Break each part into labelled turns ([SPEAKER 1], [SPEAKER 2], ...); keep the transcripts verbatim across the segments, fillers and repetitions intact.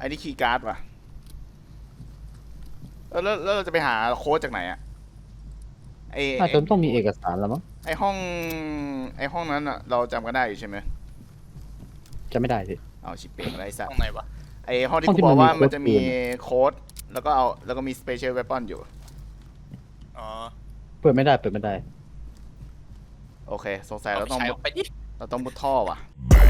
[SPEAKER 1] อ้นี่คีย์การ์ดว่ะแล้วแล้วเราจะไปหาโค้ดจากไหนอะไอ
[SPEAKER 2] น่าจะต้องมีเอกสารแล้วมั้ง
[SPEAKER 1] ไอห้องไอห้องนั้นอะเราจำกันได้อยู่ใช่ไหม
[SPEAKER 2] จะไม่ได้สิ
[SPEAKER 1] เอาชิปเป่งอะไรสัก
[SPEAKER 3] ห้องไหนวะ
[SPEAKER 1] ไอห้องที่กูบอกว่ามันจะมีโค้ดแล้วก็เอาแล้วก็มีสเปเชียลเวปอนอยู่
[SPEAKER 3] อ๋อ
[SPEAKER 2] เปิดไม่ได้เปิดไม่ได้
[SPEAKER 1] โอเคสงสัยเราต้อง
[SPEAKER 3] ไปดิ
[SPEAKER 1] เราต้องมุดท่อว่ะ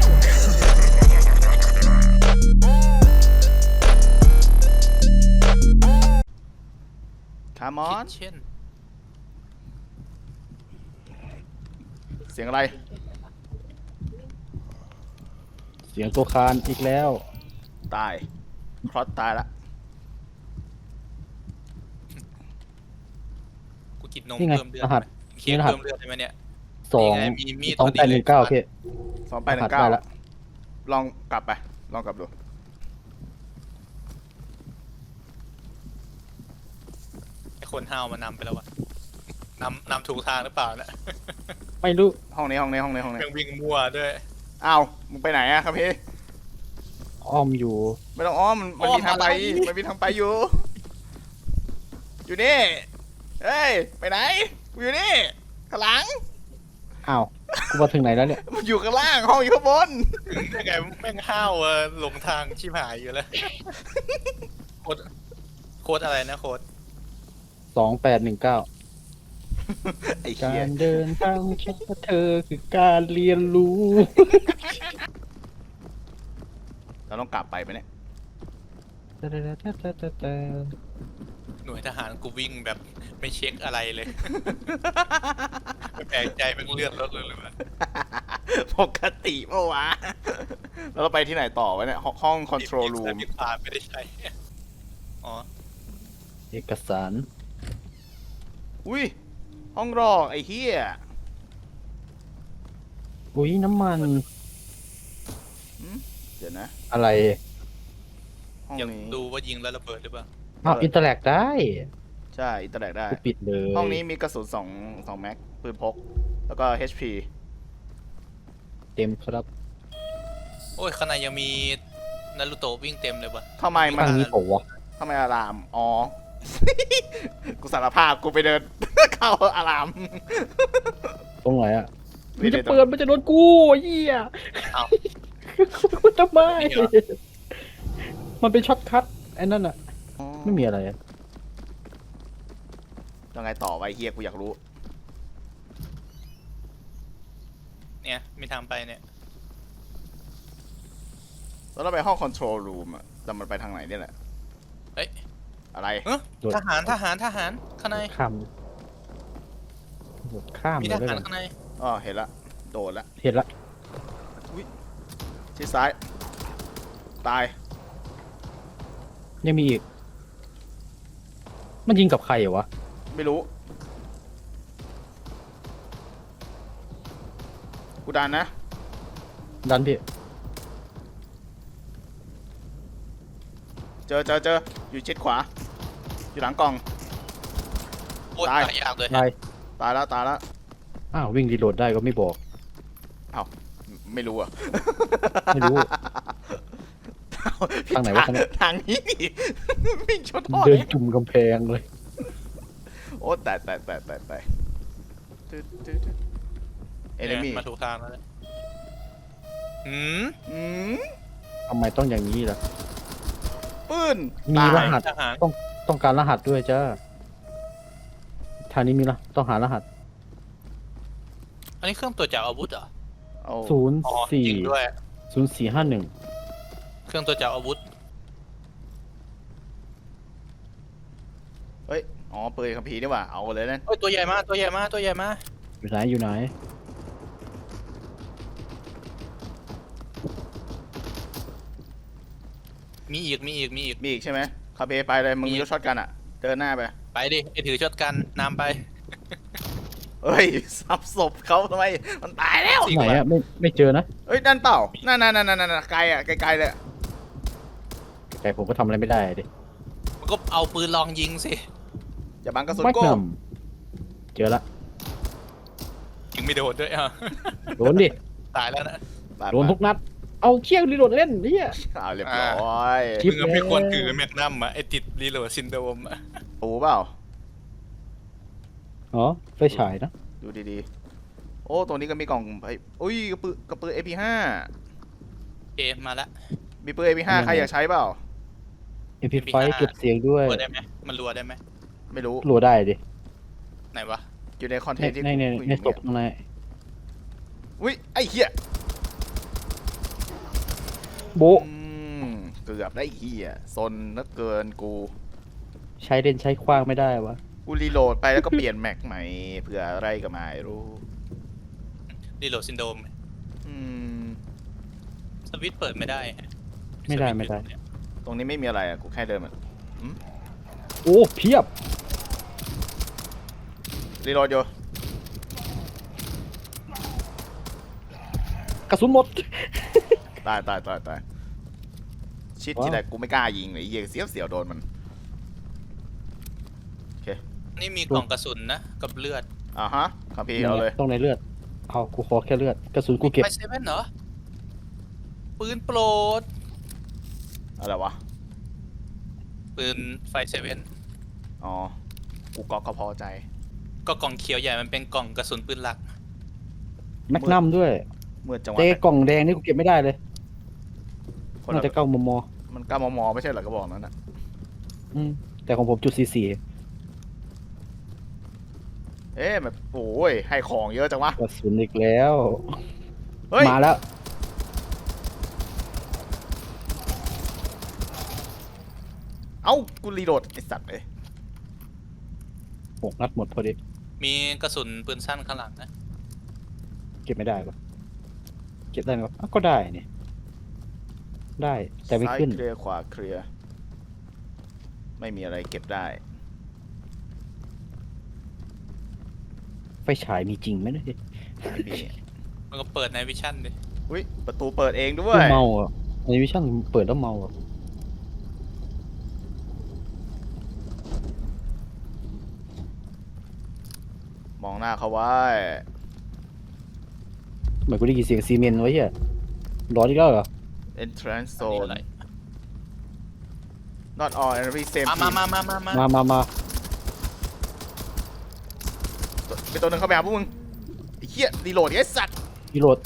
[SPEAKER 1] คามอน
[SPEAKER 3] เช่น
[SPEAKER 1] เสียงอะไร
[SPEAKER 2] เสียงตัวคานอีกแล้ว
[SPEAKER 1] ตายครอสตายละ
[SPEAKER 3] กูกินนมเพิ่มเลือดเคียงเพิ่มเลือดใช่ไหมเนี่ย
[SPEAKER 2] สองสองแปดหนึ่งเก้าโอเค
[SPEAKER 1] สองแปดหนึ่งเก้าลองกลับไปลองกลับดู
[SPEAKER 3] ไอคนห้าวมานำไปแล้ววะนำนำถูกทางหรือเปล่าเนี่ย
[SPEAKER 2] ไม่รู้
[SPEAKER 1] ห้องนี้ห้องนี้ห้องนี้ห้องนี้
[SPEAKER 3] ยังวิ่งมั่วด้วย
[SPEAKER 1] อ้าวมึงไปไหนอะครับพี่
[SPEAKER 2] อ้อมอยู่
[SPEAKER 1] ไม่ต้องอ้อมมันมีทางไปมันมีทางไปอยู่อยู่นี่เฮ้ยไปไหนกูอยู่นี่ข้างหลัง
[SPEAKER 2] อ้าวกูมาถึงไหนแล้วเนี่ย
[SPEAKER 1] มันอยู่ข้างล่างห้องอยู่ข้างบน
[SPEAKER 3] ยังไงแม่งห้าวเออหลงทางชิบหายอยู่แล้วโค้ดโค้ดอะไรนะโค้ด
[SPEAKER 2] สองแปดหนึ่งเก้าการเดินทางแค่เธอคือการเรียนรู้
[SPEAKER 1] เราต้องกลับไปไหมเนี่ย
[SPEAKER 3] หน่วยทหารกูวิ่งแบบไม่เช็คอะไรเลยแปลกใจเป็นเลือดลดเลยเลย
[SPEAKER 1] ปกติเมื่อวะแล้วเราไปที่ไหนต่อวะเนี่ยห้องคอนโทรลรูม
[SPEAKER 3] มีผ่านไม่ได้ใช้อ๋อ
[SPEAKER 2] เอกสาร
[SPEAKER 1] อุ้ยห้องรอไอ้เหี้ย
[SPEAKER 2] อุ้ยน้ำมัน
[SPEAKER 1] เดี๋ยวนะ
[SPEAKER 2] อะไร
[SPEAKER 1] ห้องนี้
[SPEAKER 3] ดูว่ายิงแล้วระเบิดหรือเปล่า
[SPEAKER 2] อ้าวอินเตอร์แลกได้
[SPEAKER 1] ใช่อินเตอร์แลกได้
[SPEAKER 2] ปิดเลย
[SPEAKER 1] ห้องนี้มีกระสุนสองสองแม็กปืนพกแล้วก็ เอช พี
[SPEAKER 2] เต็มครับ
[SPEAKER 3] โอ้ยข้างในยังมีนารูโตะวิ่งเต็มเลยปะ
[SPEAKER 1] ทำไมมัน
[SPEAKER 2] ทางนี้โผล่วะ
[SPEAKER 1] ทำไมอารามอ๋อ กูสารภาพกูไปเดิน เข้าอาราม
[SPEAKER 2] ตรงไหนอ่ะมันจะเปิดมันจะโดนกูเหี้ยทำไมมันเป็นช็อตคัทไอ้นั่นอ่ะไม่มีอะไร
[SPEAKER 1] ยังไงต่อไว้เฮียกูอยากรู้
[SPEAKER 3] เนี่ยมีทางไปเนี่ย
[SPEAKER 1] แล้วเราไปห้องคอนโทรลรูมอะแต่มันไปทางไหนเนี่ยแหละ
[SPEAKER 3] เฮ้ย
[SPEAKER 1] อะไร
[SPEAKER 3] ทหารทหารทหารข้างใน
[SPEAKER 2] ข้ามข้าม
[SPEAKER 3] มีทหารข้างใน
[SPEAKER 1] อ๋อเห็นละโดดละ
[SPEAKER 2] เห็นละ
[SPEAKER 1] อุ้ยชิดซ้ายตาย
[SPEAKER 2] ยังมีอีกมันยิงกับใครเหรอวะ
[SPEAKER 1] ไม่รู้กูดันนะ
[SPEAKER 2] ดันพี่
[SPEAKER 1] เจอเจอเจออยู่ชิดขวาอยู่หลังกล่อง
[SPEAKER 3] ตายยากเลย
[SPEAKER 2] ตาย
[SPEAKER 1] ตายแล้วตายแล้ว
[SPEAKER 2] อ้าววิ่งรีโหลดได้ก็ไม่บอก
[SPEAKER 1] อ้าวไม่รู้อ่ะ
[SPEAKER 2] ไม่รู้ทางไหนวะ
[SPEAKER 1] ทางนี้วิ่งชนท่อ
[SPEAKER 2] เดินจุ่มกำแพงเลย
[SPEAKER 1] โอ้แต่แต่แต่แต่แต่เอเนมี่
[SPEAKER 3] มาถูกทางแล้วอืม
[SPEAKER 1] อืม
[SPEAKER 2] ทำไมต้องอย่างนี้ล่ะ
[SPEAKER 1] ปืน
[SPEAKER 2] มีรหัสต้องต้องการรหัสด้วยจ้าทางนี้มีละต้องหารหัส
[SPEAKER 3] อันนี้เครื่องตรวจจับอาวุธเหรอ
[SPEAKER 2] ศูนย์สี่ศูนย์สี่ห้าหนึ่ง
[SPEAKER 3] เครื่องตรวจจับอาวุธ
[SPEAKER 1] เฮ้ยอ๋อปืนคัมภีร์นี่หว่าเอาเลยนั่น
[SPEAKER 3] เฮ้ยตัวใหญ่มากตัวใหญ่มากตัวใหญ่มาก
[SPEAKER 2] อยู่ไหนอยู่ไหน
[SPEAKER 3] มีอีกมีอีกมีอีก
[SPEAKER 1] มีอีกใช่ไหมคาเบไปเลยมึงมีรถช็อตกันอ่ะเดินหน้าไป
[SPEAKER 3] ไปดิไอถือช็อตกันนำไป
[SPEAKER 1] เฮ้ยสับศพเขาทำไมมันตายแล้ว
[SPEAKER 2] ไหนอะไม่ไม่เจอนะ
[SPEAKER 1] เฮ้ยนั่นเปล่านั่นนั่นนั่นนั่นไกลอ่ะไกลๆเลย
[SPEAKER 2] ไกลผมก็ทำอะไรไม่ได้ดิ
[SPEAKER 3] มันก็เอาปืนลองยิงสิ
[SPEAKER 1] อย่าบังกระสุนโก้
[SPEAKER 2] เจอละ
[SPEAKER 3] ยิงไม่โดนด้วยอ่ะ
[SPEAKER 2] โดนดิ
[SPEAKER 3] ตายแล้วนะ
[SPEAKER 2] โดนทุกนัดเอาเชี่ยรีโหลดเล่นเนี่ย
[SPEAKER 1] เอาเรียบร้อย
[SPEAKER 2] คลิป
[SPEAKER 3] มึงไม่ควรถือแมกนัมอะไอติดรีโหลดซินโดรมอะ
[SPEAKER 1] ปูเปล่า
[SPEAKER 2] อ๋อไฟฉายนะ
[SPEAKER 1] ดูดีๆโอ้ตรงนี้ก็มีกล่องไอ้อุ้ยกระปือกระปือ เอ พี ห้า
[SPEAKER 3] เอมาละ
[SPEAKER 1] มีปืน เอ พี ห้า ใครอยากใช้เปล่า
[SPEAKER 2] เอ็มพีไฟเก็บเสียงด้วย
[SPEAKER 3] รัวได้ไหมมันรัวได้ไหม
[SPEAKER 1] ไม่รู้
[SPEAKER 2] รัวได้ดิ
[SPEAKER 3] ไหนวะ
[SPEAKER 1] อยู่ในคอนเท
[SPEAKER 2] ใน
[SPEAKER 1] นต์ที่
[SPEAKER 2] ในใน
[SPEAKER 1] คุย
[SPEAKER 2] ใน
[SPEAKER 1] อยู่
[SPEAKER 2] ศพ
[SPEAKER 1] เนี่ย
[SPEAKER 2] ข้างใน
[SPEAKER 1] อุ้ยไอ้เหี้ย
[SPEAKER 2] โบะ
[SPEAKER 1] อืมเกือบได้เหี้ยซนนักเกินกู
[SPEAKER 2] ใช้เล่นใช้คว้างไม่ได้วะ
[SPEAKER 1] กูรีโหลดไปแล้วก็เปลี่ยนแม็กใหม่เผื่ออะไรก็ไม่รู้
[SPEAKER 3] รีโหลดซินโดรม
[SPEAKER 1] อืม
[SPEAKER 3] สวิตช์เปิดไม่ได้ฮะ
[SPEAKER 2] ไม่ได้
[SPEAKER 3] สวิตช์
[SPEAKER 2] ไม่ได้
[SPEAKER 3] อยู่เนี่ย
[SPEAKER 1] ตรงนี้ไม่มีอะไรอะกูแค่เดินมา
[SPEAKER 2] โอ้เพียบ
[SPEAKER 1] รีโหลดอยู่
[SPEAKER 2] กระสุนหมด
[SPEAKER 1] ตายตายตายตายชิด
[SPEAKER 2] ว้าว
[SPEAKER 1] ทีไรกูไม่กล้ายิงเลยไอ้เหี้ยเสียวเสียวโดนมัน
[SPEAKER 3] นี่มีกล่องกระสุนนะกับเลือด
[SPEAKER 1] อ่าฮะคัมพีร์เอาเลย
[SPEAKER 2] ต้องในเลือดเอากูขอแค่เลือดกระสุนกูเก็บ
[SPEAKER 3] ไฟเซเว่นเหรอปืนโปรด
[SPEAKER 1] อะไรวะ
[SPEAKER 3] ปืนไฟเซเว่น
[SPEAKER 1] อ๋อ กูก็ก็พอใจ
[SPEAKER 3] ก็กล่องเขียวใหญ่มันเป็นกล่องกระสุนปืนหลัก
[SPEAKER 2] แมกนัมด้วย
[SPEAKER 1] เมื่อจังหวะ
[SPEAKER 2] เตกล่องแดงนี่กูเก็บไม่ได้เลย
[SPEAKER 1] คน
[SPEAKER 2] น่า
[SPEAKER 1] ละ
[SPEAKER 2] จะเก้ามม
[SPEAKER 1] มันก้ามมไม่ใช่เหรอกระบอกนั้นนะ
[SPEAKER 2] อืมแต่ของผมจุดสี่สี่
[SPEAKER 1] เอ๊ะแบบโอ้ยให้ของเยอะจังวะ
[SPEAKER 2] กระสุนอีกแล้ว
[SPEAKER 1] เฮ้ย
[SPEAKER 2] มาแล้ว
[SPEAKER 1] เอ้า กูรีโหลดไอสัตว์เลย
[SPEAKER 2] หกนัดหมดพอดี
[SPEAKER 3] มีกระสุนปืนสั้นข้างหลังนะ
[SPEAKER 2] เก็บไม่ได้ปะเก็บได้ไหมวะอ้าวก็ได้นี่ได้แต่ไม่
[SPEAKER 1] ซ้าย
[SPEAKER 2] ขึ้น
[SPEAKER 1] เคลียร์ขวาเคลียร์ ไม่มีอะไรเก็บได้
[SPEAKER 2] ไฟฉายมีจริงไหมเนี่ย
[SPEAKER 1] ไม่มี
[SPEAKER 3] มันก็เปิดในวิชั่นดิ
[SPEAKER 1] อุ้ย ประตูเปิดเองด้วย
[SPEAKER 2] เมาอ่ะในวิชั่นเปิดแล้วเมาอ่ะ
[SPEAKER 1] มองหน้าเขาไว้
[SPEAKER 2] เหมือนกูได้ยินเสียงซีเมนต์ไว้เหี้ยร้อนอีกแล้วเหรอ
[SPEAKER 1] entrance
[SPEAKER 3] อันนี้
[SPEAKER 1] zone
[SPEAKER 3] อะไร
[SPEAKER 1] not all enemy same
[SPEAKER 3] มามา
[SPEAKER 1] team
[SPEAKER 3] มามามา
[SPEAKER 2] มามามา
[SPEAKER 1] เป็นตัวหนึ่งเข้าไปหาพวกมึงไอ้เหี้ยรีโหลดไอ้สัตว์
[SPEAKER 2] พี่โรด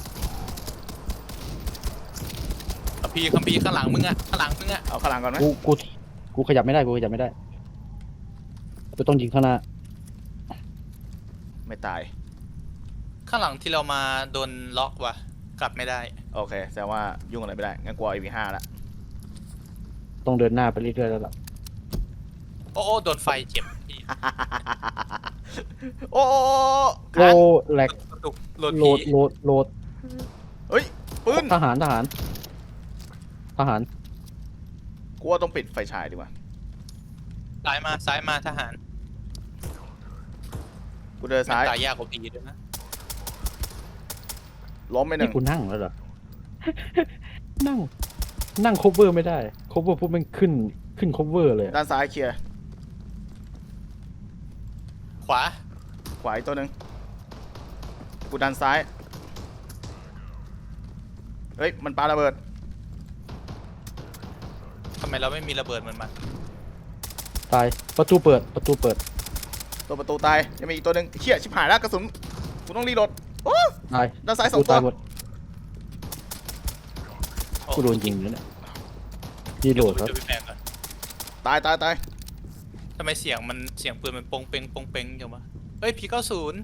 [SPEAKER 3] คัมพีร์คัมพีร์ข้างหลังมึงอะข้างหลังมึงอะ
[SPEAKER 1] เอาข้างหลังก่อนไหม
[SPEAKER 2] กูกูกูขยับไม่ได้กูขยับไม่ได้กูต้องยิงข้างหน้า
[SPEAKER 1] ไม่ตาย
[SPEAKER 3] ข้างหลังที่เรามาโดนล็อกว่ะกลับไม่ได้
[SPEAKER 1] โอเค แสดงว่ายุ่งอะไรไม่ได้ งั้นกูเอา เอ พี ห้า ละ
[SPEAKER 2] ต้องเดินหน้าไปเรื่อยๆแล้วล่ะ
[SPEAKER 3] โอ้โอ้โดนไฟเจ็บพี่
[SPEAKER 1] โอ้โอ้
[SPEAKER 2] โล
[SPEAKER 1] ค้าง
[SPEAKER 2] แหลก
[SPEAKER 3] กระตุกโหลด
[SPEAKER 2] โหล
[SPEAKER 3] ผี
[SPEAKER 2] ดโหลดโหลด
[SPEAKER 1] เฮ้ย ปืน
[SPEAKER 2] ทหารทหารทหาร
[SPEAKER 1] กูว่าต้องปิดไฟฉายดีกว่า
[SPEAKER 3] ซ้ายมาซ้ายมาทหาร
[SPEAKER 1] กูเดินซ้าย
[SPEAKER 3] ตายยากกว่าผีด้วยนะ
[SPEAKER 1] ล้มไปหนึ่
[SPEAKER 2] นี่
[SPEAKER 1] ง
[SPEAKER 2] กูนั่งแล้วเหรอ นั่ง นั่ง cover ไม่ได้ cover พวกมันขึ้นขึ้น cover เลยอะ
[SPEAKER 1] ด้านซ้ายเคลียร์
[SPEAKER 3] ขวา
[SPEAKER 1] ขวาอีกตัวหนึ่งกูดันซ้าย เฮ้ย มันปาระเบิด
[SPEAKER 3] ทำไมเราไม่มีระเบิดเหมือนมัน
[SPEAKER 2] ตายประตูเปิดประตูเปิด
[SPEAKER 1] ตัวประตูตาย ยังมีอีกตัวหนึ่งเชี่ยชิบหายแล้วกระสุน กูต้องรีโหลดโอ้
[SPEAKER 2] ตาย
[SPEAKER 1] ด้านซ้ายสอ
[SPEAKER 2] กู
[SPEAKER 1] งตั
[SPEAKER 2] ตายว หมด
[SPEAKER 3] โอ้
[SPEAKER 2] กูโดนยิงแล้วเนี่ยรีโหลดครับ
[SPEAKER 3] จะไปแปลงก่อน
[SPEAKER 1] ตายตายตาย
[SPEAKER 3] ทำไมเสียงมันเสียงปืนมันปงเปงปงเปงอย่างวะเฮ้ยพีเก้าศูนย์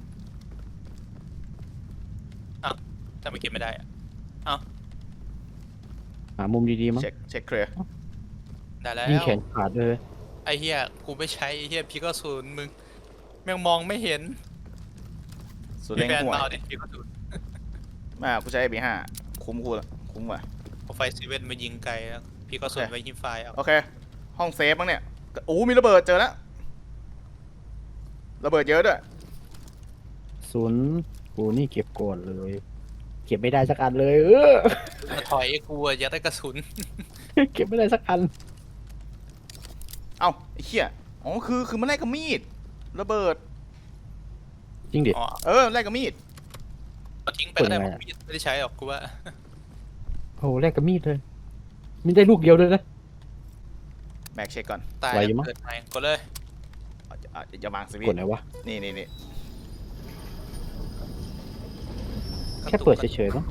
[SPEAKER 3] อ้าวทำไมเก็บไม่ได้อะอ้าว
[SPEAKER 2] หามุมดีๆมั้ง
[SPEAKER 1] เช็คเช็คเคลียร์
[SPEAKER 3] ได้แล้ว
[SPEAKER 2] ยิงแขนขาดเลย
[SPEAKER 3] ไอ้เฮียกูไม่ใช้ไอ้เฮียพีเก้าศูนย์มึงแม่งมองไม่เห็น
[SPEAKER 1] สุด
[SPEAKER 3] มี
[SPEAKER 1] เร่ง
[SPEAKER 3] แฟน
[SPEAKER 1] หัว
[SPEAKER 3] มาเอาดิพีเก้าศูนย์
[SPEAKER 1] ไมากูใช้ เอ พี ห้า คุ้มกูละคุ้มกว่า
[SPEAKER 3] เอาไฟซีเว่นมายิงไกลแล้วพีเก้าศูนย์ไว้ยิงไฟเอา
[SPEAKER 1] โอเค ห้องเซฟมั้งเนี่ยโอ้มีระเบิดเจอแล้ว ระเบิดเยอะด้วย
[SPEAKER 2] ศูนย์กูนี่เก็บก่อนเลย เก็บไม่ได้สักอันเลย เออ
[SPEAKER 3] มาถอยไอ้กูอะอยากได้กระสุน
[SPEAKER 2] เก็บไม่ได้สักอัน
[SPEAKER 1] เอ้าไอ้เหี้ย อ๋อ คือ คือมันแลกกับมีด ระเบิด
[SPEAKER 2] จริงดิ
[SPEAKER 3] อ๋อ
[SPEAKER 1] เออแลกกับมีด
[SPEAKER 3] เอาทิ้งไปก็ได้
[SPEAKER 2] เปิดไง
[SPEAKER 3] ผมไม่ได้ใช้หรอกกูว่า
[SPEAKER 2] โอ้โหแลกกับมีดเลยมีได้ลูกเดียวเลยนะ
[SPEAKER 1] แม็กเช็คก่อน
[SPEAKER 3] ตาย
[SPEAKER 2] ไหวอยู่มั้ง
[SPEAKER 3] เกิดใหม่ก็เลย
[SPEAKER 1] เอาจะเอาจะวางสวิต
[SPEAKER 2] กด
[SPEAKER 1] ช์
[SPEAKER 2] ไหนวะ
[SPEAKER 1] นี่นี่นี่
[SPEAKER 2] แค่เปิดเฉยๆมั้ง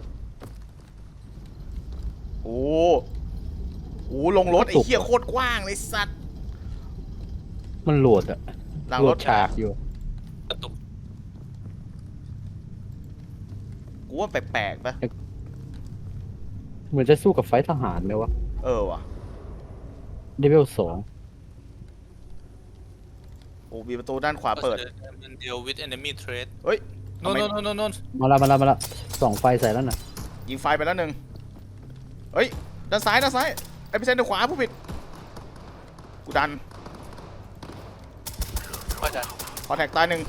[SPEAKER 1] โอ้โหลงรถไอ้เหี้ยโคตรกว้างเลยสัตว์
[SPEAKER 2] มันโหลดอะ
[SPEAKER 1] หลัง
[SPEAKER 2] โหล
[SPEAKER 1] ร
[SPEAKER 2] ด
[SPEAKER 1] ถ
[SPEAKER 2] ฉากอยู่
[SPEAKER 3] กระตุก
[SPEAKER 1] กูว่าแปลกๆปะ
[SPEAKER 2] เหมือนจะสู้กับไฟท์ทหารไหมวะ
[SPEAKER 1] เออว่ะ
[SPEAKER 2] เลเวลสอง
[SPEAKER 1] โอ้มีประตูด้านขวาเปิด
[SPEAKER 3] มันเดียว with enemy threat
[SPEAKER 1] เฮ้ย
[SPEAKER 3] โน่น
[SPEAKER 1] ทำไม
[SPEAKER 3] โน่นโน่นโน่น
[SPEAKER 2] มาละมาละมาละส่องไฟใส่แล้วน่ะ
[SPEAKER 1] ยิงไฟไปแล้วหนึ่งเฮ้ยด้านซ้ายด้านซ้ายไอ้พี่เซนด้านขวาผู้ผิดกูดัน
[SPEAKER 3] ว่าจะ
[SPEAKER 1] คอแทคตายหนึ่ง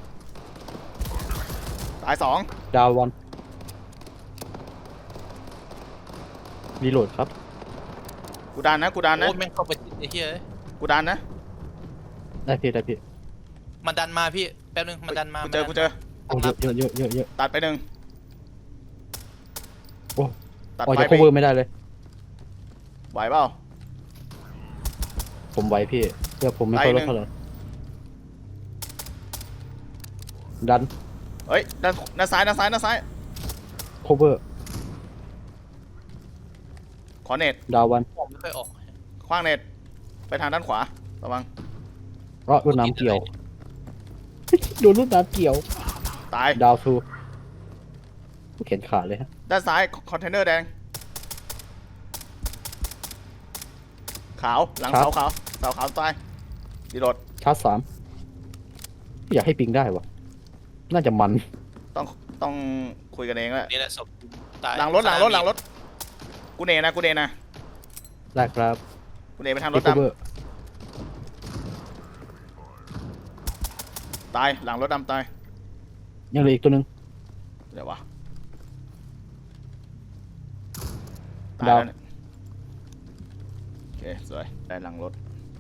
[SPEAKER 1] ตายสอง
[SPEAKER 2] ดาววันรีโหลดครับ
[SPEAKER 1] กูดันนะกูดันนะ
[SPEAKER 3] โอ้แม่งเข้าไปติดไอ้เหี้ยเอ้ย
[SPEAKER 1] กูดันนะ
[SPEAKER 2] ได้พี่ได้พี่
[SPEAKER 3] มันดันมาพี่แป๊บนึงมันดันมา
[SPEAKER 1] กูเจอ
[SPEAKER 3] มันดัน
[SPEAKER 1] กูเจอ
[SPEAKER 2] โอ้เยอะเยอะเยอะเยอะเยอะ
[SPEAKER 1] ตัดไปหนึ่ง
[SPEAKER 2] โอ้
[SPEAKER 1] ตัด
[SPEAKER 2] ออก
[SPEAKER 1] ไป
[SPEAKER 2] จาก
[SPEAKER 1] ไป
[SPEAKER 2] cover ไม่ได้เลย
[SPEAKER 1] ไหวเปล่า
[SPEAKER 2] ผมไหวพี่เพื่อผมไม่ค่อย
[SPEAKER 1] ไล่
[SPEAKER 2] ล
[SPEAKER 1] หนึ่
[SPEAKER 2] ด
[SPEAKER 1] ง
[SPEAKER 2] เท่าไหร่ดัน
[SPEAKER 1] เฮ้ยด้านด้านซ้ายด้านซ้ายด้านซ้าย
[SPEAKER 2] cover
[SPEAKER 1] ขอเน็ต
[SPEAKER 2] ดาววัน
[SPEAKER 3] ผมไม่ค่อยออก
[SPEAKER 1] คว้างเน็ตไปทางด้านขวาระวัง
[SPEAKER 2] เพราะรถน้ำเกี่ยว โดนรถน้ำเกี่ยว
[SPEAKER 1] ตาย
[SPEAKER 2] ดาวทูเข็นขาดเลยฮะ
[SPEAKER 1] ด้านซ้ายคอนเทนเนอร์แดงขาวหลังเสาขาวเสาขาวตายดีโดด
[SPEAKER 2] ชาร์จสามอยากให้ปิงได้วะน่าจะมัน
[SPEAKER 1] ต้องต้องคุยกันเองแหละ
[SPEAKER 3] นี่แหละศพตาย
[SPEAKER 1] หลังรถหลังรถหลังรถกูเนนะกูเนนะ
[SPEAKER 2] ได้ครับ
[SPEAKER 1] กูเนไปทางรถ
[SPEAKER 2] เอ
[SPEAKER 1] ด
[SPEAKER 2] เวอร์
[SPEAKER 1] ำตายหลังรถดำตาย
[SPEAKER 2] ยังเหลืออีกตัวหนึ่ง
[SPEAKER 1] เดี๋ยววะตาย
[SPEAKER 2] ดาว
[SPEAKER 1] แล้วเนี่ยโอเคสวยได้หลังรถ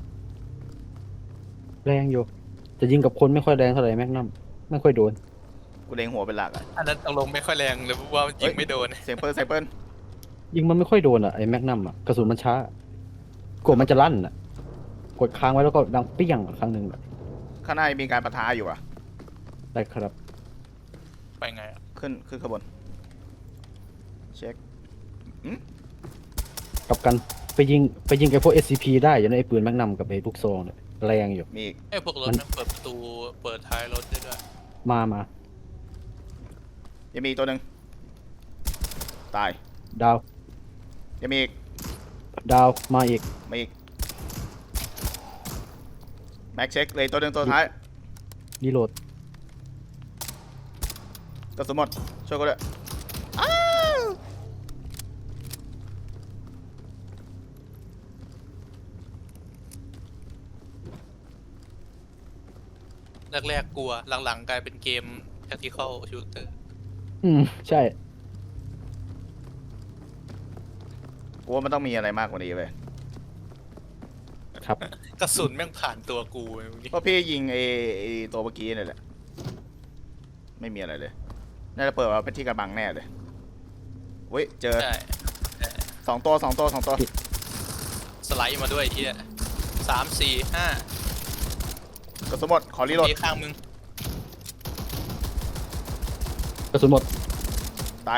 [SPEAKER 2] แรงอยู่จะยิงกับคนไม่ค่อยแรงเท่าไหร่แม็กนัมไม่ค่อยโดน
[SPEAKER 1] กูเล็งหัวเป็นหลักอะ
[SPEAKER 3] อันนั้นตกลงไม่ค่อยแรงเลยเพราะว่ายิงไม่โดน
[SPEAKER 1] เสียงเปิลเสียงเปิล
[SPEAKER 2] ยิงมันไม่ค่อยโดนอ่ะไอ้แม็กนัมอ่ะกระสุนมันช้ากดมันจะลั่นอ่ะกดค้างไว้แล้วก็ดังเปี้ยงครั้งหนึ่งอะ
[SPEAKER 1] ข้างหน้ามีการปะทะอยู่อะ
[SPEAKER 2] ได้ครับ
[SPEAKER 3] ไปไงอะ
[SPEAKER 1] ขึ้นขึ้นขางบวนเช็ค
[SPEAKER 2] กลับกันไปยิงไปยิงไอ้พวก เอส ซี พี ได้อยู่ในะไอ้ปืนแม็กนัมกับไอ้ลูกซองเนี่ยแรงอยู่
[SPEAKER 1] มีอีก
[SPEAKER 3] ไอ้พวกรถ
[SPEAKER 2] มัน
[SPEAKER 3] มันเปิดประตูเปิดท้ายรถได้ด้วย
[SPEAKER 2] มามา
[SPEAKER 1] ยังมีอีกตัวหนึ่งตาย
[SPEAKER 2] ดาว
[SPEAKER 1] ยังมีอีก
[SPEAKER 2] ดาวมาอีก
[SPEAKER 1] มาอีกแม็กเช็คเลยตัวหนึ่งตัวท้าย
[SPEAKER 2] รีโหลด
[SPEAKER 1] กระสุนหมดช่วยกูด้วยอ้าว
[SPEAKER 3] แรกๆกลัวหลังๆกลายเป็นเกม tactical shooter
[SPEAKER 2] อืมใช่
[SPEAKER 1] กูว่ามันต้องมีอะไรมากกว่านี้เว้ย
[SPEAKER 2] ครับ
[SPEAKER 3] กระสุนแม่งผ่านตัวกูไอ้พวกนี้
[SPEAKER 1] เพราะพี่ยิงไอ้ไอ้ตัวเมื่อกี้นี่แหละไม่มีอะไรเลยน่าจะเปิดมาเป็นที่กระบังแน่เลยเว้ยเจอ
[SPEAKER 3] ใช่
[SPEAKER 1] สองตัวสองตัวสองตัว
[SPEAKER 3] สไลด์มาด้วยไอ้เฮียสามสี่ห้าก
[SPEAKER 1] ระสุนหมดขอรีโหลด
[SPEAKER 3] มีข้างมึง
[SPEAKER 2] กระสุนหมด
[SPEAKER 1] ตาย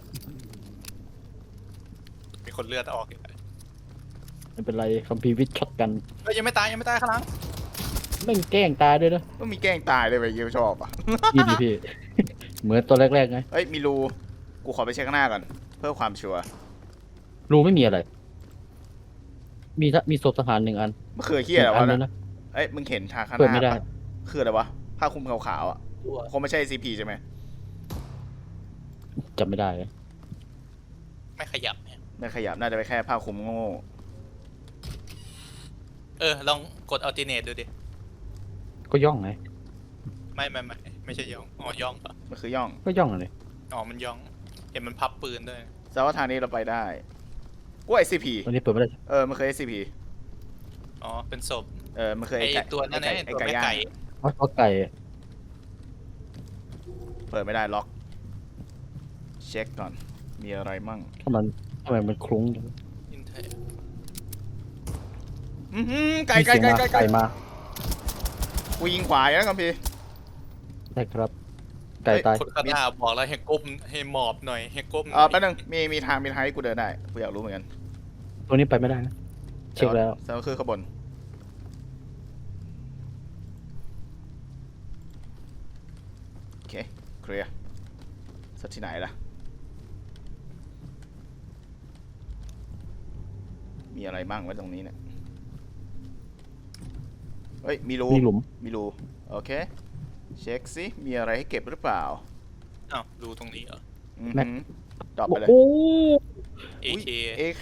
[SPEAKER 3] มีคนเลือดออกอีก
[SPEAKER 2] ไม่เป็นไรคัมภีร์วิทย์ช็อตกัน
[SPEAKER 3] เฮ้ยยังไม่ตายยังไม่ตายข้างหลัง
[SPEAKER 2] แม่งแกล้งตายด้วยนะ
[SPEAKER 1] ต้องมีแกล้งตายเลยไปยิวชอบอ่ะ
[SPEAKER 2] ดีดีพี่ เหมือนตัวแรกๆไง
[SPEAKER 1] เอ้ยมีรูกูขอไปเช็คข้างหน้าก่อนเพื่อความชัวร์
[SPEAKER 2] รูไม่มีอะไร มีทะมีศพทหารหนึ่งอัน
[SPEAKER 1] มันคือเฮียอะไร
[SPEAKER 2] อั
[SPEAKER 1] วะ
[SPEAKER 2] นึ
[SPEAKER 1] นะ
[SPEAKER 2] งนะ
[SPEAKER 1] เอ้ยมึงเห็นทางข้างห
[SPEAKER 2] เปิด
[SPEAKER 1] น้า
[SPEAKER 2] ไม่ได้
[SPEAKER 1] ปะคืออะไรวะผ้าคลุมขาวๆอ่ะ
[SPEAKER 3] ตัว
[SPEAKER 1] คงไม่ใช่ ซี พี ใช่ไหม
[SPEAKER 2] จำไม่ได้เลย
[SPEAKER 3] ไม่ขยับเนี่ย
[SPEAKER 1] ไม่ขยับน่าจะไปแค่ผ้าคลุมโง่
[SPEAKER 3] เออลองกด alternate ดูดิ
[SPEAKER 2] ก็ย่องไง
[SPEAKER 3] ไม่ไม่ไม่ไม่ใช่ย่องอ๋อย่องปะ
[SPEAKER 1] มันคือย่อง
[SPEAKER 2] ก็ย่องเลย
[SPEAKER 3] อ๋อมันย่องเห็นมันพับปืนด้วย
[SPEAKER 1] แต่ว่าทางนี้เราไปได้กูไอซีพี
[SPEAKER 2] วันนี้เปิดไม่ได้
[SPEAKER 1] เออมันเคย เอส ซี พี
[SPEAKER 3] อ๋อเป็นศพ
[SPEAKER 1] เออมันเคย
[SPEAKER 3] ไอ
[SPEAKER 1] ไก่
[SPEAKER 3] ตัวนั้น
[SPEAKER 1] ไก่
[SPEAKER 3] ไอ
[SPEAKER 1] ไอ้
[SPEAKER 3] ตัว
[SPEAKER 1] ไก่
[SPEAKER 3] แม่
[SPEAKER 1] ย่าง
[SPEAKER 3] ไก่
[SPEAKER 2] เพราะเพราะไก่
[SPEAKER 1] เปิดไม่ได้ล็อกมีอะไรมั่ง
[SPEAKER 2] ทำไมทำไมมันคลุ้งจัง
[SPEAKER 3] อินเทอร์
[SPEAKER 1] อื้อหือไก่
[SPEAKER 2] มี
[SPEAKER 1] ไก่
[SPEAKER 2] เสียง
[SPEAKER 1] ไก่
[SPEAKER 2] มา
[SPEAKER 1] ไก่ไก่
[SPEAKER 2] ไก่มา
[SPEAKER 1] กูยิงขวาอยู่นะคัมพีร์
[SPEAKER 2] ได้ครับ ไก่ตาย
[SPEAKER 3] คนข้างหน้าบอกแล้วให้ก้มให้หมอบหน่อยให้ก้มห
[SPEAKER 1] เอ
[SPEAKER 3] น่
[SPEAKER 1] อ
[SPEAKER 3] อย
[SPEAKER 1] แป๊บนึงมีมีทางมีทางให้กูเดินได้กูอยากรู้เหมือนกัน
[SPEAKER 2] ตัวนี้ไปไม่ได้นะ เช็คแล้ว
[SPEAKER 1] แสดงว่าคือขางบวนโอเคเคลียร์สักที่ไหนล่ะมีอะไรบ้างไว้ตรงนี้เนี่ยเฮ้ยมีรู
[SPEAKER 2] มีหลุม
[SPEAKER 1] มีรูโอเคเช็คสิมีอะไรให้เก็บหรือเปล่า
[SPEAKER 3] อ้าวดูตรงนี้เหรอ
[SPEAKER 1] อือ
[SPEAKER 2] แม็ก
[SPEAKER 1] หือดรอปไปเลย
[SPEAKER 2] โอ้
[SPEAKER 3] เอเค
[SPEAKER 1] เอเค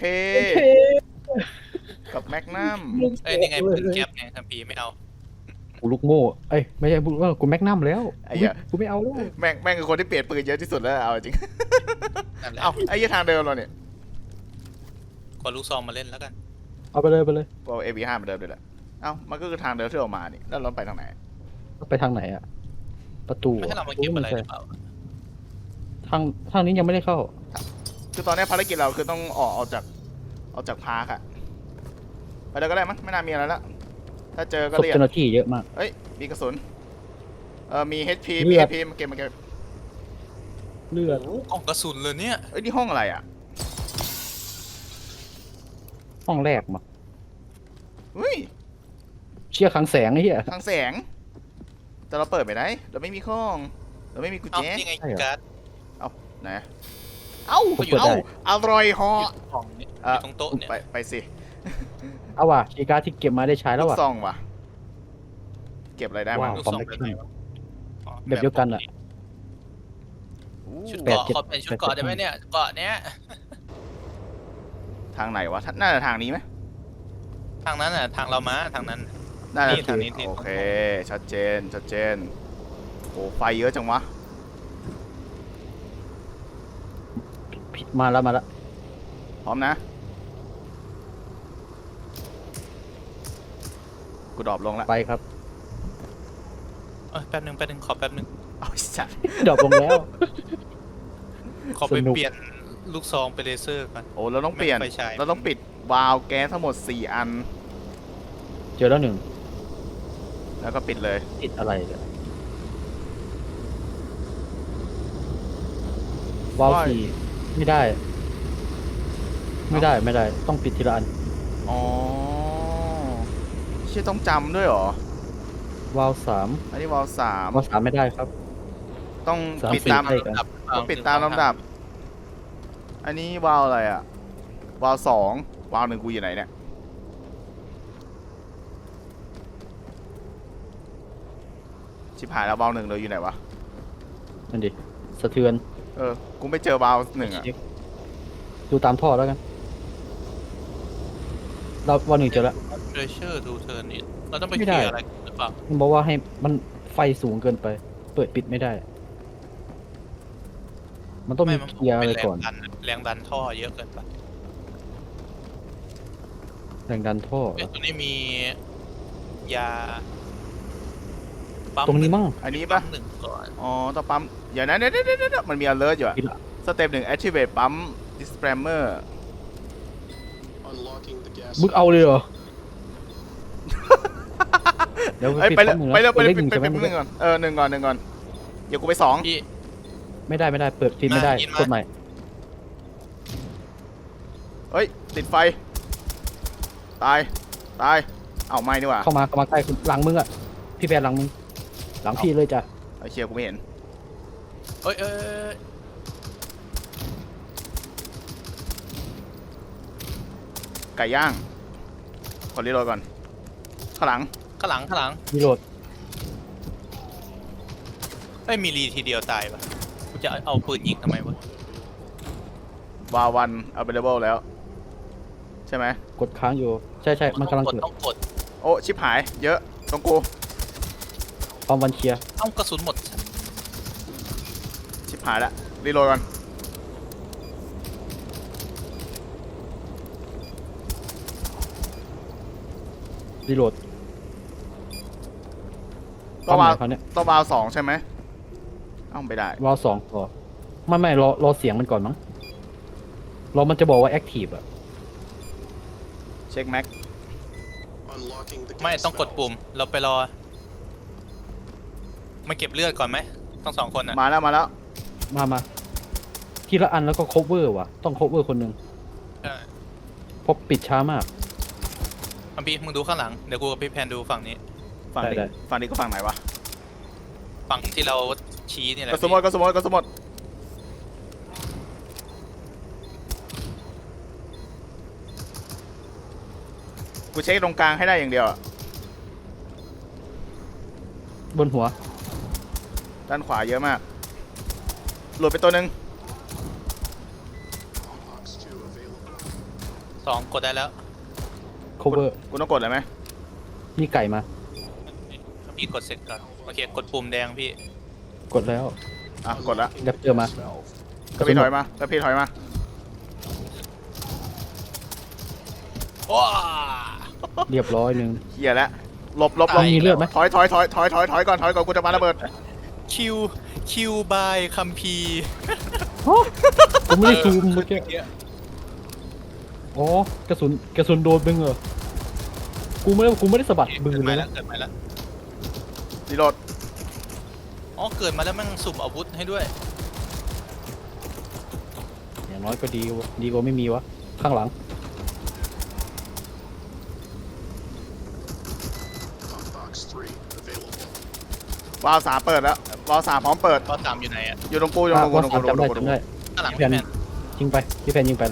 [SPEAKER 1] กับแมกนัม
[SPEAKER 3] เอ้ยนี่ไงปืนแก๊ปไงคัมพีร์ไม่เอา
[SPEAKER 2] กูลูกโม่เอ้ยไม่ใช่เออกูแม็กนัมแล้ว
[SPEAKER 1] ไอ้เหี้ย
[SPEAKER 2] กูไม่เอาแล้ว
[SPEAKER 1] แม่งแม่งคือคนที่เปลี่ยนปืนเยอะที่สุดแล้วเอาจริง
[SPEAKER 3] นั่นแหละ
[SPEAKER 1] เอาไอ้ยี่ทางเดิมเราเนี่ย
[SPEAKER 3] ขอลูกซองมาเล่นแล้วกัน
[SPEAKER 2] เอาไปเลยไปเลย
[SPEAKER 1] ก็เอวีห้าเหมือนเดิมเลยแหละเอ้ามันก็คือทางเดิมที่เรามานี่แล้วเราไปทางไหน
[SPEAKER 2] ไปทางไหนอะประตู
[SPEAKER 3] ไม่ให้เรามาเก็บอะไรหรือเปล่า
[SPEAKER 2] ทางทางนี้ยังไม่ได้เข้า
[SPEAKER 1] คือตอนนี้ภารกิจเราคือต้องออกออกจากออกจากพาร์คอะไปเลยก็ได้มั้งไม่น่ามีอะไรละถ้าเจอก็
[SPEAKER 2] ศพ
[SPEAKER 1] เรียก
[SPEAKER 2] เจ้าหน้าที่เยอะมาก
[SPEAKER 1] เอ้ยมีกระสุนเออมี เอช พี
[SPEAKER 2] เลื
[SPEAKER 1] มี
[SPEAKER 2] อ
[SPEAKER 1] เอ
[SPEAKER 2] ด
[SPEAKER 1] พีมาเก็บมาเก็บ
[SPEAKER 2] เลือด
[SPEAKER 3] โอ้กล่องกระสุนเลยเนี่ย
[SPEAKER 1] เอ้ยนี่ห้องอะไรอะ
[SPEAKER 2] ห้องแรกมา
[SPEAKER 1] เฮ้ย
[SPEAKER 2] เชี่ยขังแสงไอ้เหี้ย
[SPEAKER 1] ทางแสงแต่เราเปิดไม่ได้เราไม่มีข้องเราไม่มีกุญ
[SPEAKER 3] เอ้า
[SPEAKER 1] แจ
[SPEAKER 3] นี่ไง
[SPEAKER 2] ใช่เหรอ
[SPEAKER 3] การ์ด
[SPEAKER 1] ไหนเอ้า
[SPEAKER 2] ผมเปิดได้
[SPEAKER 1] เอ้าอร่อยเหอ
[SPEAKER 3] อยู่กล่องเนี่ยอยู่ตรงโต๊ะเนี่ย
[SPEAKER 1] ไปไปสิ
[SPEAKER 2] เอาว่ะคีย์การ์ดที่เก็บมาได้ใช้แล้
[SPEAKER 1] ลู
[SPEAKER 2] ว
[SPEAKER 1] ก
[SPEAKER 2] ว่ะ
[SPEAKER 1] ซองว่ะ เก็บอะไรได้บ้าง
[SPEAKER 2] ว้าว
[SPEAKER 3] ลูกซองแบบไหนวะอ๋อ
[SPEAKER 2] แบบเดียวกันอะ
[SPEAKER 1] อู้
[SPEAKER 3] ชุด
[SPEAKER 2] แปด
[SPEAKER 3] เกาะ
[SPEAKER 2] เจ็ด
[SPEAKER 3] ขอเป็นชุดเกาะได้ไหมเนี่ยเกาะเนี้ย
[SPEAKER 1] ทางไหนวะน่าจะทางนี้ไหม
[SPEAKER 3] ทางนั้นอ่ะทางเรามาทางนั้น
[SPEAKER 1] น่าจะ
[SPEAKER 3] นี่ทางนี้นี่
[SPEAKER 1] โอเค ชัดเจน ชัดเจน โอ้ไฟเยอะจังวะ
[SPEAKER 2] มาแล้วมาแล้ว
[SPEAKER 1] พร้อมนะ กูดรอปลงแล้ว
[SPEAKER 2] ไปครับ
[SPEAKER 3] เอ้ยแป๊บนึงแป๊บนึงขอแป๊บนึง
[SPEAKER 1] เอาไอ้สัตว์
[SPEAKER 2] ดรอปลงแล้ว
[SPEAKER 3] ขอไป
[SPEAKER 2] สนุก
[SPEAKER 3] เปลี่ยนลูกซองไปเลเซอร์ก่อน
[SPEAKER 1] โอ้เราต้องเปลี่ยน
[SPEAKER 3] ไม่ไฟฉาย
[SPEAKER 1] เราต้องปิดวาล์วแก๊สทั้งหมดสี่อัน
[SPEAKER 2] เจอแล้วหนึ่ง
[SPEAKER 1] แล้วก็ปิดเลย
[SPEAKER 2] ติดอะไรเนี่ยวาล์วสี่ไม่ได้ ไม่ได้ไม่ได้ ต้องปิดทีละอัน
[SPEAKER 1] อ๋อเชี่ยต้องจำด้วยเหรอ
[SPEAKER 2] วาล์วสาม
[SPEAKER 1] อันนี้วาล์วสาม
[SPEAKER 2] วาล์วสามไม่ได้ครับ
[SPEAKER 1] ต้อง
[SPEAKER 2] สาม
[SPEAKER 1] ปิด
[SPEAKER 2] สี่
[SPEAKER 1] ตาม
[SPEAKER 2] ใช่ครับ
[SPEAKER 3] ลำดับ
[SPEAKER 1] ต้องปิดตามลำดับ อันนี้วาล์วอะไรอะวาล์วสองวาล์วหนึ่งกูอยู่ไหนเนี่ย ชิบหายแล้ววาล์วหนึ่งเลยอยู่ไหนวะ
[SPEAKER 2] นั่นดิสะเทือน
[SPEAKER 1] เออ กูไม่เจอวาล์วหนึ่งอะ
[SPEAKER 2] ดูตามท่อแล้วกัน เราวาล์วหนึ่งเจอแล้ว
[SPEAKER 3] เทรเชอร์ทูเทิร์นนี่เราต้องไป
[SPEAKER 2] ไม่
[SPEAKER 3] เค
[SPEAKER 2] ได้
[SPEAKER 3] ลียร์อะไรหรือเปล่า
[SPEAKER 2] มันบอกว่าให้มันไฟสูงเกินไป เปิดปิดไม่ได้ มันต้องมี
[SPEAKER 3] มัน
[SPEAKER 2] เคลียร์อะไรก่อน
[SPEAKER 3] แรงดันแรงดันท่อเยอะเกินไป
[SPEAKER 2] แรงดันท่อ
[SPEAKER 3] เอ้ยตัวนี้มียาปั๊ม
[SPEAKER 2] ตรงนี้มั่ง
[SPEAKER 1] อันนี้ปะ
[SPEAKER 3] ปั๊มหนึ่งก่อน
[SPEAKER 1] อ๋อต้องปั๊มอย่านะเดี๋ยวเดี๋ยวเดี๋ยวมันมี alert อยู่อะ
[SPEAKER 2] ทีละ
[SPEAKER 1] สเต็ปหนึ่ง activate ปั๊ม dispammer
[SPEAKER 4] Unlocking the gas.
[SPEAKER 2] มึงเอาเลยเหรอ เดี๋ยว
[SPEAKER 1] เอ้ย
[SPEAKER 2] ปิด
[SPEAKER 1] ไปเลย
[SPEAKER 2] ข้อมือ
[SPEAKER 1] ไปเลยไปเลย
[SPEAKER 2] เลขหนึ่ง
[SPEAKER 1] ไป
[SPEAKER 2] ใช่ไหม
[SPEAKER 1] ไปหนึ่งก่อน เออหนึ่งก่อนหนึ่งก่อน เดี๋ยวกูไปสอง
[SPEAKER 3] พี่
[SPEAKER 2] ไม่ได้ไม่ได้เปิดปิดไม่ได้
[SPEAKER 3] มายินมา
[SPEAKER 2] กดใหม่
[SPEAKER 1] เฮ้ย ติดไฟ ตาย ตาย เอาไม่ดีกว่า
[SPEAKER 2] เข้ามาเข้ามาใกล้คุณหลังมึงอ่ะ พี่แพนหลังมึง หลังพี่เลยจ้ะ
[SPEAKER 1] ไอเชียกูไม่เห็น
[SPEAKER 3] เอ้ยเอ้ยเอ้ย
[SPEAKER 1] ไก่ย่างขอรีโหลดก่อน ข้างหลัง
[SPEAKER 3] ข้างหลังข้างหลัง
[SPEAKER 2] รีโหลด
[SPEAKER 3] เอ้ยมีรีทีเดียวตายปะกูจะเอาปืนยิงทำไมวะ
[SPEAKER 1] วาวัน available แล้ว ใช่ไหม
[SPEAKER 2] กดค้างอยู่ ใช่ใช่มันกำลัง
[SPEAKER 3] กด
[SPEAKER 2] เกิด
[SPEAKER 3] ต้องกด
[SPEAKER 1] โอ้ชิบหาย เยอะตรงกู
[SPEAKER 2] ความวันเคลียร์
[SPEAKER 3] เอ้ากระสุนหมด
[SPEAKER 1] ชิบหายละรีโหลดก่อน
[SPEAKER 2] รีโหลด
[SPEAKER 1] ต้องวา
[SPEAKER 2] คว มหมายเขาเนี่ย
[SPEAKER 1] ต้องวาสองใช่ไหมเอ้าไม่ได้
[SPEAKER 2] วาล์วสองพอไม่ไม่รอรอเสียงมันก่อนมั้งเรามันจะบอกว่าแอคทีฟอะ
[SPEAKER 1] เช็คแม็ก
[SPEAKER 4] Unlocking the
[SPEAKER 3] ไม่
[SPEAKER 4] gas
[SPEAKER 3] ต้องกด
[SPEAKER 4] valve.
[SPEAKER 3] ปุ่ม เราไปรอมาเก็บเลือดก่อนไหมต้องสองคนอ่ะ
[SPEAKER 1] มาแล้วมาแล้ว
[SPEAKER 2] มามาทีละอันแล้วก็ cover ว่ะ ต้อง cover คนหนึ่ง
[SPEAKER 3] ใช่
[SPEAKER 2] เพราะปิดช้ามาก
[SPEAKER 3] คัมพีร์มึงดูข้างหลัง เดี๋ยวกูกับพี่แพนดูฝั่งนี้
[SPEAKER 1] ฝั่ง
[SPEAKER 2] ได้
[SPEAKER 1] นี้
[SPEAKER 2] ได้
[SPEAKER 1] ฝั่งนี้ก็ฝั่งไหนวะ
[SPEAKER 3] ฝั่งที่เราชี้นี่แหละ
[SPEAKER 1] กระสุนหมดกระสุนหมดกระสุนหมดกูเช็คตรงกลางให้ได้อย่างเดียวอะ
[SPEAKER 2] บนหัว
[SPEAKER 1] ด้านขวาเยอะมากหลุดไปตัวหนึ่ง
[SPEAKER 4] Box two available.
[SPEAKER 3] สองกดได้แล้ว
[SPEAKER 2] cover
[SPEAKER 1] กูต้องกดเลยไหม
[SPEAKER 2] มีไก่มา
[SPEAKER 3] พี่กดเสร็จก่อนโอเคกดปุ่มแดงพี่
[SPEAKER 2] กดแล้ว
[SPEAKER 1] อ่ะกดละ
[SPEAKER 2] แรปเตอร์มา
[SPEAKER 4] Valve.
[SPEAKER 1] กระพี่ถอยมา กระพี่ถอยมา
[SPEAKER 3] ว้า
[SPEAKER 2] เรียบร้อยหนึ่ง
[SPEAKER 1] เฮียแล้วหลบหลบหลบ
[SPEAKER 2] มีเลือดไหม
[SPEAKER 1] ถอยถอยถอยถอยถอยถอยก่อนถอยก่อนกูจะปาระเบิด
[SPEAKER 3] คิวคิวบายคัมพีร์
[SPEAKER 2] ผมไม่ได้ซูมเมื่อกี้อ๋อกระสุนกระสุนโดนมึงเหรอกูไม่ได้กูไม่ได้สะบัดมือ
[SPEAKER 3] เกิด
[SPEAKER 2] เล
[SPEAKER 3] มาย แล้
[SPEAKER 2] นะ
[SPEAKER 3] วเกิดมาแล้ว
[SPEAKER 1] รีโหลด
[SPEAKER 3] อ๋อเกิดมาแล้วแมันสุ่มอาวุธให้ด้วย
[SPEAKER 2] อย่างน้อยก็ดีวะดีกว่าไม่มีวะข้างหลัง
[SPEAKER 4] Box three available.
[SPEAKER 1] วาล์วสามเปิดแล้ววาล์วสามพร้อมเปิด
[SPEAKER 3] ก็ตามอยู่ไหนอ่ะ
[SPEAKER 1] อยู่ตรงกูอยู่ตรงกู
[SPEAKER 2] ว่า
[SPEAKER 1] ตรง
[SPEAKER 2] สา
[SPEAKER 1] กู
[SPEAKER 2] ม
[SPEAKER 1] ตรง
[SPEAKER 2] จำ
[SPEAKER 1] กู
[SPEAKER 2] ได้
[SPEAKER 1] ตรงกู
[SPEAKER 2] จำได้
[SPEAKER 3] ข้างหลัง
[SPEAKER 2] พี่
[SPEAKER 3] พี่
[SPEAKER 2] แพ
[SPEAKER 3] แพ
[SPEAKER 2] น
[SPEAKER 3] น
[SPEAKER 2] ยิงไปพี่แพนยิงไปเลย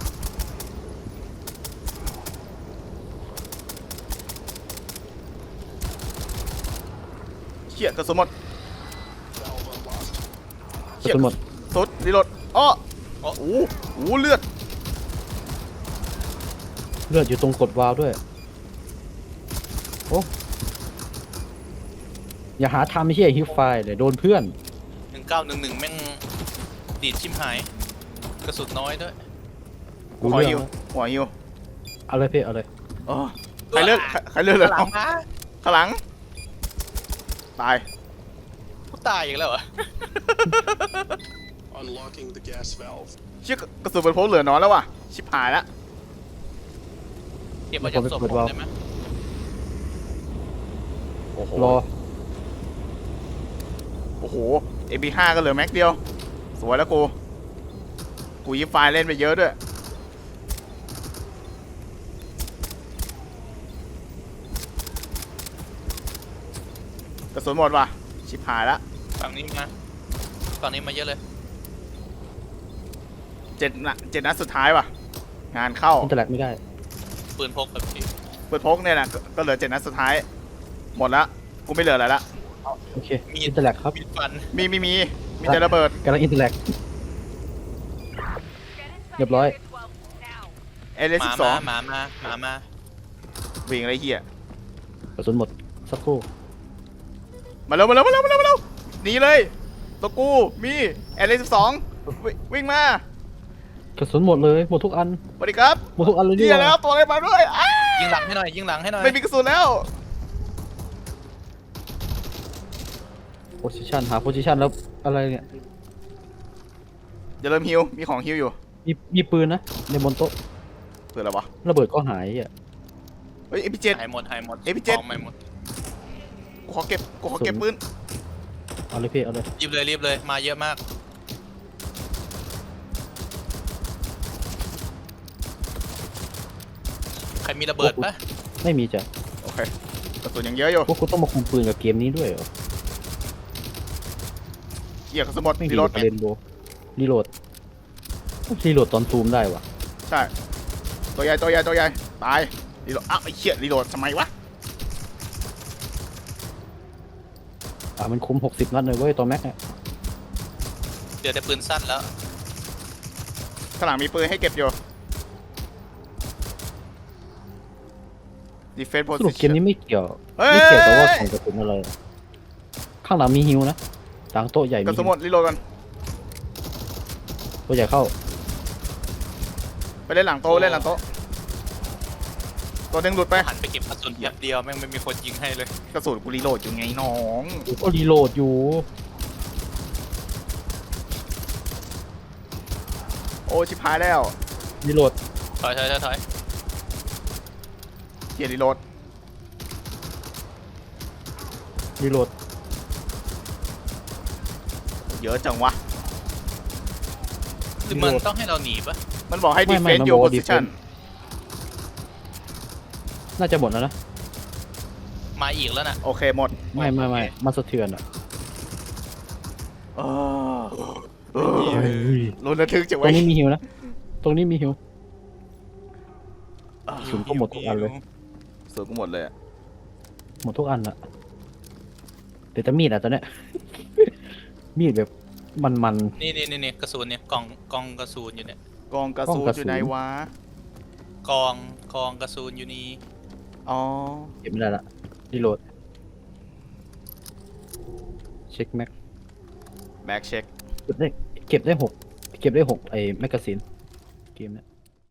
[SPEAKER 1] เขี่ยกระสุนหมด
[SPEAKER 4] Valve unlocked.
[SPEAKER 2] กระสุนหมด
[SPEAKER 1] สุดรีโหลดอ้อโอ้โหโอ้โหเลือด
[SPEAKER 2] เลือดอยู่ตรงกดวาล์วด้วยโอ้อย่าหาทำไม่ใช่ฮิวไฟล์เลยโดนเพื่อน
[SPEAKER 3] หนึ่งเก้าหนึ่งหนึ่งแม่งดีดชิมหาย กระสุนน้อยด้วย
[SPEAKER 1] หัวฮิวหัวฮิว
[SPEAKER 2] เอาเลยพี่เอาเลย
[SPEAKER 1] อ๋อใครเลือกใครใครเลือกเลย
[SPEAKER 3] ข้างหลังนะ
[SPEAKER 1] ข้างหลัง ตาย
[SPEAKER 3] กูตายอีกแล้วเหรอ
[SPEAKER 4] Unlocking the gas valve.
[SPEAKER 1] เชี่ยกระสุนเป็นพกเหลือน้อยแล้วว่ะ ชิบหายแล้ว
[SPEAKER 3] เก็บมาจากศพผมได้ไหม
[SPEAKER 1] โอ้โห
[SPEAKER 2] รอ
[SPEAKER 1] โอ้โห เอ็ม พี ห้า ก็เหลือแม็กเดียว สวยแล้วกู กูยิบไฟล์เล่นไปเยอะด้วย กระสุนหมดว่ะ ชิบหายแล้ว
[SPEAKER 3] ฝั่งนี้มาฝั่งนี้มาเยอะเลย
[SPEAKER 1] เจ็ดนัดเจ็ดนัดสุดท้ายว่ะ งานเข้า
[SPEAKER 2] อินเตอร์แลกไม่ได้
[SPEAKER 3] ปืนพกแบบพี่
[SPEAKER 1] เปิดพกเนี่ยนะก็ก็เหลือเจ็ดนัดสุดท้าย หมดละ กูไม่เหลืออะไรละ
[SPEAKER 2] โอเคอินเตอร์แลกครับ
[SPEAKER 3] มีดฟัน
[SPEAKER 1] มีมีมี มีแต่ระเบิด
[SPEAKER 2] กำลังอินเตอร์แลกเรียบร้อย
[SPEAKER 1] เอเล
[SPEAKER 3] ห
[SPEAKER 1] สิ
[SPEAKER 3] มา
[SPEAKER 1] บสอ
[SPEAKER 3] มาง หมามาหมามา
[SPEAKER 1] วิ่งอะไรเหี้ย
[SPEAKER 2] กระสุนหมดสักครู่
[SPEAKER 1] มาเร็วมาเร็วมาเร็วมาเร็วมาเร็วหนีเลยตัวกูมีเอเลสิบสองวิ่งมาก
[SPEAKER 2] ระสุนหมดเลยหมดทุกอัน
[SPEAKER 1] สวัสดีครับ
[SPEAKER 2] หมดทุกอันเลย
[SPEAKER 1] เหี้ยแล้วตัวอะไรมาด้วยอ้า
[SPEAKER 3] ยิงหลังให้หน่อยยิงหลังให้หน่อย
[SPEAKER 1] ไม่มีกระสุนแล้ว
[SPEAKER 2] โพซิชันหาโพซิชันแล้วอะไรเนี่ย
[SPEAKER 1] อย่าเริ่มฮิวมีของฮิวอยู่
[SPEAKER 2] มีมีปืนนะในบนโต๊ะ
[SPEAKER 1] เปิดอะไรวะ
[SPEAKER 2] ระเบิดก็หายอ่ะ
[SPEAKER 1] เฮ้ยเอพีเจ็ด
[SPEAKER 3] หายหมดหายหมด
[SPEAKER 1] เอ้ยพี่เจ็ด
[SPEAKER 3] ของไม่หมด
[SPEAKER 1] กูขอเก็บกูขอเก็บปืน
[SPEAKER 2] เอาเลยพี่เอาเลย
[SPEAKER 3] รีบเลยรีบเลยมาเยอะมาก ใครมีระเบิดปะ
[SPEAKER 2] ไม่มีจ้ะ
[SPEAKER 1] โอเคกระสุนยังเยอะอยู่
[SPEAKER 2] พวกกูต้องมาคุมปืนกับเกมนี้ด้วยเหรอ
[SPEAKER 1] เหี้ยกระสุนหมด
[SPEAKER 2] ไม่
[SPEAKER 1] รี
[SPEAKER 2] มี
[SPEAKER 1] โหลด
[SPEAKER 2] เรนโบรีโหลดรีโหลดตอนซูมได้วะ
[SPEAKER 1] ใช่ตัวใหญ่ตัวใหญ่ตัวใหญ่ตายรีโหลดอ้าวไอ้เหี้ยรีโหลดทำไมวะ
[SPEAKER 2] อ่ะมันคุมหกสิบนัดเลยเว้ยตัวแม็กเนี่ย
[SPEAKER 3] เดี๋ยวแต่ปืนสั้นแล้ว
[SPEAKER 1] ข้างหลังมีปืนให้เก็บอยู่ defense
[SPEAKER 2] สรุปเกม
[SPEAKER 1] position
[SPEAKER 2] นี้ไม่เกี่ยว
[SPEAKER 1] เฮ้ย
[SPEAKER 2] ไม่เกี่ยวกับว่าของกระสุนอะไร ข้างหลังมีฮิวนะหลังโต๊ะใหญ่
[SPEAKER 1] ก
[SPEAKER 2] มี
[SPEAKER 1] ระสุนหมดรีโหลดก่อน
[SPEAKER 2] ตัวใหญ่เข้า
[SPEAKER 1] ไปเล่นหลังโต๊ะเล่นหลังโต๊ะตัวหนึงหลุดไป
[SPEAKER 3] หันไปเก็บกระสุนแป๊บเดียวแม่งไม่มีคนยิงให้เลย
[SPEAKER 1] กระสุนกูรีโหลดอยู่ไงน้อง
[SPEAKER 2] กูก็รีโหลดอยู่
[SPEAKER 1] โอ้ชิบหายแล้ว
[SPEAKER 2] รีโหลด
[SPEAKER 3] ถอยถอยถอยถอย
[SPEAKER 1] เกียร์รีโหลด
[SPEAKER 2] รีโหลด
[SPEAKER 1] เยอะจังวะ
[SPEAKER 3] หรือมันต้องให้เราหนีปะ
[SPEAKER 1] มันบอกให้
[SPEAKER 2] ไม่ไม่
[SPEAKER 1] defend
[SPEAKER 2] มัน
[SPEAKER 1] your
[SPEAKER 2] บอกว่า
[SPEAKER 1] position
[SPEAKER 2] defend น่าจะหมดแล้วนะ
[SPEAKER 3] มาอีกแล้วนะ
[SPEAKER 1] โอเคหมด
[SPEAKER 2] ไม่ไม่ไม่มันสะเทือนอ่ะ
[SPEAKER 1] เออเออ
[SPEAKER 2] เฮ้ย
[SPEAKER 1] ลุ้นระทึกจัง
[SPEAKER 2] ตร
[SPEAKER 1] ไว้
[SPEAKER 2] งนี้มีฮิวนะ ตรงนี้มีฮิว ศูนย์ก็หมดทุกอันเลย
[SPEAKER 1] ส่วนกูหมดเลยอะ
[SPEAKER 2] หมดทุกอันอะเดี๋ยวจะมีดอ่ะตอนเนี้ย มีดแบบมันมัน
[SPEAKER 3] นี่นี่นี่นี่กระสุนเนี่ยกล่องกล่องกระสุนอยู่เนี่ย
[SPEAKER 1] กองกระสุน
[SPEAKER 2] กองกระสุน
[SPEAKER 1] อยู่ไหนวะ
[SPEAKER 3] กองกองกระสุนอยู่นี่
[SPEAKER 1] อ๋อ
[SPEAKER 2] เก็บไม่ได้ละรีโหลด เช็คแม็ก
[SPEAKER 1] แบ็กเช็ค
[SPEAKER 2] เก็บได้เก็บได้หกเก็บได้หกไอ้แมกกาซีนเกมเนี้ย